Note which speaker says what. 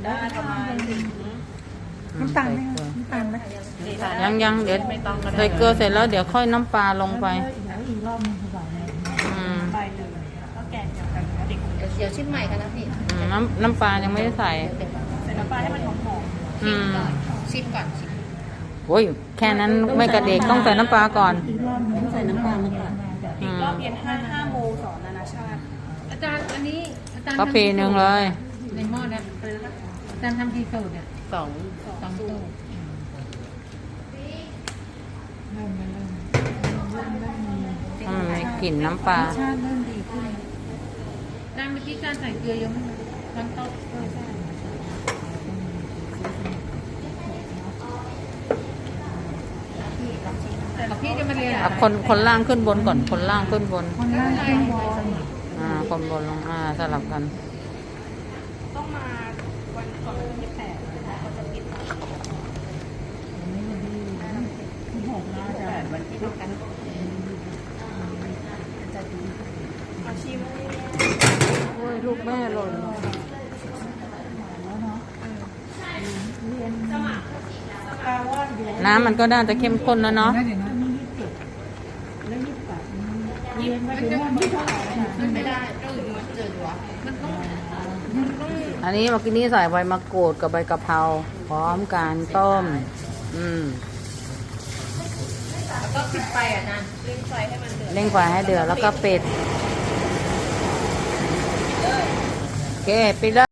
Speaker 1: ได้ประมาณ
Speaker 2: น้ำตาลไหมน้ำตาลไหม
Speaker 3: ยังเดี๋ยวใส่เกลือเสร็จแล้วเดี๋ยวค่อยน้ำปลาลงไป
Speaker 2: อีกรอบนึงคือแบบ
Speaker 1: ไปเลยก็แกงเดียวกันเด็ก
Speaker 4: เดี๋ยวชิมใหม่กันนะพี่
Speaker 3: น้ำปลายังไม่ได้ใส่
Speaker 1: ใส่น้ำปลาให้มันหอม
Speaker 4: ชิมก่อนชิม
Speaker 3: โอ้ยแค่นั้นไม่กระเด็กต้องใส่น้ำปลาก่อน
Speaker 2: อีกรอบนึงใส่น้ำตาลมาก่อน
Speaker 1: อีกรอบเย็น5 โมงสอนนานาชาติ
Speaker 4: อาจารย์อันนี้อาจารย์
Speaker 3: กาแฟหนึ่งเลย
Speaker 4: ในหม้อนะอาจารย์ทำกี่สูตรเนี่ยสองสูตร
Speaker 3: มันมีกลิ่นน้ำปลา
Speaker 2: ชาติเริ่มดีขึ้น
Speaker 4: อาจารย์เมื่อกี้การใส่เกลือยังไม่ทั้งโต๊ะแต่พี่จะมาเรียน
Speaker 3: คนล่างขึ้นบนก่อนคนล่างขึ้นบน
Speaker 2: คนล่างขึ้นบน
Speaker 3: คนบนลงสลับกัน
Speaker 1: ต้องมาวันก่อนวันที่8เขาจะปิดวันที่6กันอาชีพ
Speaker 3: โอ้ยลูกแม่หล่นน้ำมันก็น่าจะเข้มข้นแล้วเนาะ
Speaker 4: ไม่ได้เจอหัวมันต้อง
Speaker 3: อันนี้เมื่อกี้นี้ใส่ใบมะกรูดกับใบกะเพราพร้อมการต้ม
Speaker 4: แล้วก็ปิดไฟอ่ะนะเร่งไฟให้มันเดือด
Speaker 3: เร่งไฟให้เดือดแล้วก็ปิดโอเคปิดแล้ว